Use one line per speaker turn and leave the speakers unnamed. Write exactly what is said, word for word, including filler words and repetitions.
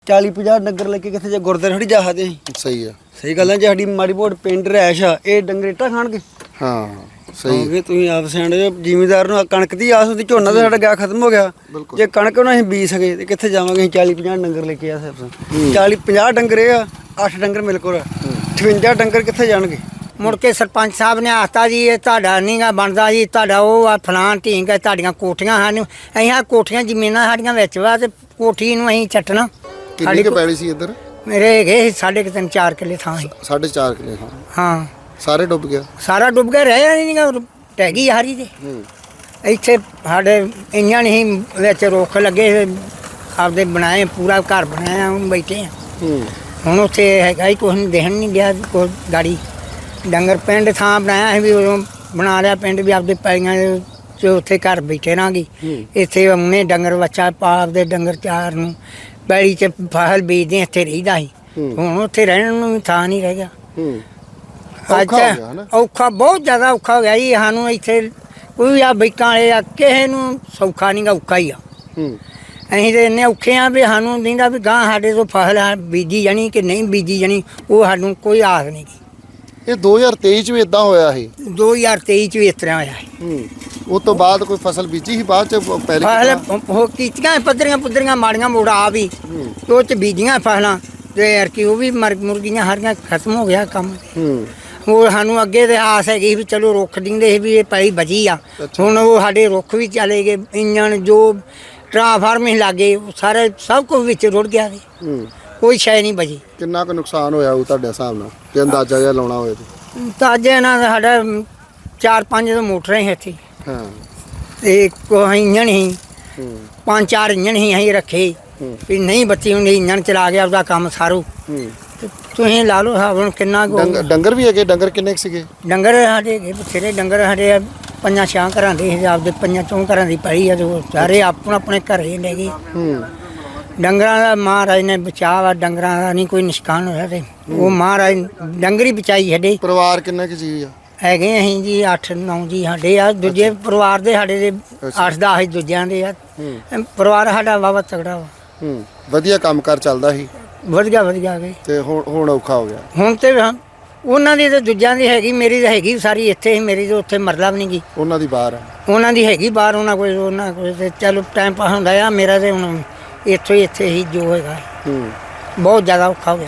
चाली पचास डंगर लेके कितने जे गुरद्वारे थोड़ी जा सकते हैं।
सही है
सही गल है जे साडी माड़ी मोट पिंड रैश आ ये डंगर इट्टा खाणगे।
हाँ सही है।
क्योंकि तुसीं आप सियाणे जिमीदार नूं कणक दी आस हुंदी झोना तां साडा गया खत्म हो गया जे कणक ना असीं बीज सके ते कित्थे जावांगे। असीं चाली पचास डंगर लेके आ सकते चाली पचास डंगर ये आ अठ डंगर मेरे कोल अठवंजा डंगर कित्थे जाणगे।
मुड़ के सरपंच साहब ने आखता जी ये तुहाडा नहीं गा बनदा जी तुहाडा वो आ फलान ढींग है तुहाडियां कोठियां सानूं असीं आ कोठियां जमीनां साडियां विच वा ते कोठी नूं असीं छट्टना।
कितनी के पैली सी इधर?
मेरे हैगे साढ़े तिन चार किले थां ही।
साढ़े चार किले हाँ
हाँ
सारे डुब गया।
सारा डुब गया रहा नहीं गा ढह गई हारी ते ਇੱਥੇ ਸਾਡੇ ਇੰਜਾਂ ਨਹੀਂ ਵਿੱਚ ਰੁੱਖ ਲੱਗੇ ਆਪਦੇ ਬਣਾਏ ਪੂਰਾ ਘਰ ਬਣਾਇਆ ਹੁਣ ਬੈਠੇ ਆ। ਹੁਣ ਉੱਥੇ ਹੈਗਾ ਹੀ ਕੁਛ ਨਹੀਂ ਦੇਖਣ ਨਹੀਂ ਗਿਆ ਕੋਈ ਗਾੜੀ ਡੰਗਰ ਪਿੰਡ ਥਾਂ ਬਣਾਇਆ ਸੀ ਵੀ ਉਦੋਂ ਬਣਾ ਲਿਆ ਪਿੰਡ ਵੀ ਆਪਦੇ ਪੈਲੀਆਂ ਚ ਉੱਥੇ ਘਰ ਬੈਠੇ ਰਾਂਗੇ। ਇੱਥੇ ਉਹਨੇ ਡੰਗਰ ਬੱਚਾ ਪਾ ਆਪਦੇ ਡੰਗਰ ਚਾਰ ਨੂੰ ਪੈਲੀ ਚ ਫਸਲ ਬੀਜਦੇ ਇੱਥੇ ਰਹੀਦਾ ਸੀ। ਹੁਣ ਉੱਥੇ ਰਹਿਣ ਨੂੰ ਵੀ ਥਾਂ ਨਹੀਂ ਰਹਿ ਗਿਆ। ਅੱਛਾ ਔਖਾ ਬਹੁਤ ਜ਼ਿਆਦਾ ਔਖਾ ਹੋ ਗਿਆ ਜੀ ਸਾਨੂੰ ਇੱਥੇ ਕੋਈ ਆ ਬੈਕਾਂ ਵਾਲੇ ਆ ਕਿਸੇ ਨੂੰ ਸੌਖਾ ਨਹੀਂ ਗਾ ਔਖਾ ਹੀ ਆ। ਅਸੀਂ ਤਾਂ ਇੰਨੇ ਔਖੇ ਆ ਵੀ ਸਾਨੂੰ ਦਿੰਦਾ ਵੀ ਗਾਂ ਸਾਡੇ ਤੋਂ ਫਸਲ ਬੀਜੀ ਜਾਣੀ ਕਿ ਨਹੀਂ ਬੀਜੀ ਜਾਣੀ ਉਹ ਸਾਨੂੰ ਕੋਈ ਆਸ ਨਹੀਂ ਗੀ।
ਇਹ ਦੋ ਹਜ਼ਾਰ ਤੇਈ ਚ ਵੀ ਇਦਾਂ ਹੋਇਆ ਸੀ।
ਦੋ ਹਜ਼ਾਰ ਤੇਈ ਚ ਵੀ ਇਸ ਤਰ੍ਹਾਂ ਹੋਇਆ ਸੀ।
ਉਸ ਤੋਂ ਬਾਅਦ ਕੋਈ ਫਸਲ ਬੀਜੀ ਸੀ ਬਾਅਦ ਚ ਪਹਿਲੇ
ਫਸਲ ਉਹ ਕੀਤੀਆਂ ਪੱਧਰੀਆਂ ਪੁੱਧਰੀਆਂ ਮਾੜੀਆਂ ਮੋੜਾ ਆ ਵੀ ਉਹ ਚ ਬੀਜੀਆਂ ਫਸਲਾਂ ਤੇ ਯਾਰ ਕਿ ਉਹ ਵੀ ਮਰ ਮੁਰਗੀਆਂ ਹਰੀਆਂ ਖਤਮ ਹੋ ਗਿਆ ਕੰਮ। ਉਹ ਸਾਨੂੰ ਅੱਗੇ ਤੇ ਆਸ ਹੈਗੀ ਵੀ ਚਲੋ ਰੁੱਖ ਦਿੰਦੇ ਸੀ ਵੀ ਇਹ ਪੈਲੀ ਬਚੀ ਆ। ਹੁਣ ਉਹ ਸਾਡੇ ਰੁੱਖ ਵੀ ਚਲੇ ਗਏ ਇੰਜਣ ਜੋ ਟਰਾਂਸਫਾਰਮ ਹੀ ਲਾਗੇ ਸਾਰੇ ਸਭ ਕੁਝ ਵਿੱਚ ਰੁੜ ਗਿਆ ਸੀ ਕੋਈ ਸ਼ੈ ਨਹੀਂ ਬਚੀ।
ਕਿੰਨਾ ਕੁ ਨੁਕਸਾਨ ਹੋਇਆ ਉਹ ਤੁਹਾਡੇ ਹਿਸਾਬ ਨਾਲ ਜੇ ਅੰਦਾਜ਼ਾ ਜਿਹਾ ਲਾਉਣਾ ਹੋਵੇ
ਤਾਂ ਅੱਜ ਇਹਨਾਂ ਦਾ ਸਾਡਾ ਚਾਰ ਪੰਜ ਤਾਂ ਮੋਟਰਾਂ ਹੀ ਇੱਥੇ
ਹਾਂ
ਤੇ ਕੋਈ ਇੰਜਣ ਹੀ ਪੰਜ ਚਾਰ ਇੰਜਣ ਹੀ ਅਸੀਂ ਰੱਖੇ ਵੀ ਨਹੀਂ ਬੱਤੀ ਹੁੰਦੀ ਇੰਜਣ ਚਲਾ ਗਿਆ ਉਹਦਾ ਕੰਮ ਸਾਰੂ। ਤੁਸੀਂ ਲਾ ਲਓ ਹਿਸਾਬ ਹੁਣ ਕਿੰਨਾ ਕੁ
ਡੰਗਰ ਵੀ ਹੈਗੇ? ਡੰਗਰ ਕਿੰਨੇ ਕੁ ਸੀਗੇ?
ਡੰਗਰ ਸਾਡੇ ਹੈਗੇ ਬਥੇਰੇ ਡੰਗਰ ਸਾਡੇ ਪੰਜਾਂ ਛਾਂ ਘਰਾਂ ਦੇ ਆਪਦੇ ਪੰਜਾਂ ਚੌਂ ਘਰਾਂ ਦੀ ਪਈ ਆ ਜੋ ਸਾਰੇ ਆਪਣਾ ਆਪਣੇ ਘਰੇ ਲੈ ਗਏ। ਡੰਗਰਾਂ ਦਾ ਮਹਾਰਾਜ ਨੇ ਬਚਾਅ ਵਾ ਡੰਗਰਾਂ ਦਾ ਨਹੀਂ ਕੋਈ ਨੁਕਸਾਨ ਹੋਇਆ ਤੇ ਉਹ ਮਹਾਰਾਜ ਡੰਗਰੀ ਬਚਾਈ ਸਾਡੇ।
ਪਰਿਵਾਰ ਕਿੰਨੇ ਕੁ ਜੀ ਆ?
ਹੈਗੇ ਅਸੀਂ ਜੀ ਅੱਠ ਨੌ ਜੀ ਸਾਡੇ ਆ ਦੂਜੇ ਪਰਿਵਾਰ ਦੇ ਸਾਡੇ ਦੇ ਅੱਠ ਦਸ ਦੂਜਿਆਂ ਦੇ ਆ ਪਰਿਵਾਰ ਸਾਡਾ ਵਾਵਾ ਤਗੜਾ ਵਾ।
ਵਧੀਆ ਕੰਮ ਕਾਰ ਚੱਲਦਾ ਸੀ
ਵਧੀਆ ਵਧੀਆ ਗਏ
ਤੇ ਹੁਣ ਹੁਣ ਔਖਾ ਹੋ ਗਿਆ।
ਹੁਣ ਤੇ ਉਹਨਾਂ ਦੀ ਤੇ ਦੂਜਿਆਂ ਦੀ ਹੈਗੀ ਮੇਰੀ ਤਾਂ ਹੈਗੀ ਸਾਰੀ ਇੱਥੇ ਹੀ ਮੇਰੀ ਤਾਂ ਉੱਥੇ ਮਰਲਾ ਵੀ ਨਹੀਂ ਗਈ।
ਉਹਨਾਂ ਦੀ ਬਾਹਰ ਆ
ਉਹਨਾਂ ਦੀ ਹੈਗੀ ਬਾਹਰ ਉਹਨਾਂ ਕੋਈ ਉਹਨਾਂ ਕੋਈ ਤੇ ਚਲੋ ਟਾਈਮ ਪਾਸ ਹੁੰਦਾ ਆ ਮੇਰਾ ਤੇ ਹੁਣ ਇੱਥੋਂ ਹੀ ਇੱਥੇ ਹੀ ਜੋ ਹੈਗਾ ਬਹੁਤ ਜ਼ਿਆਦਾ ਔਖਾ ਹੋ ਗਿਆ।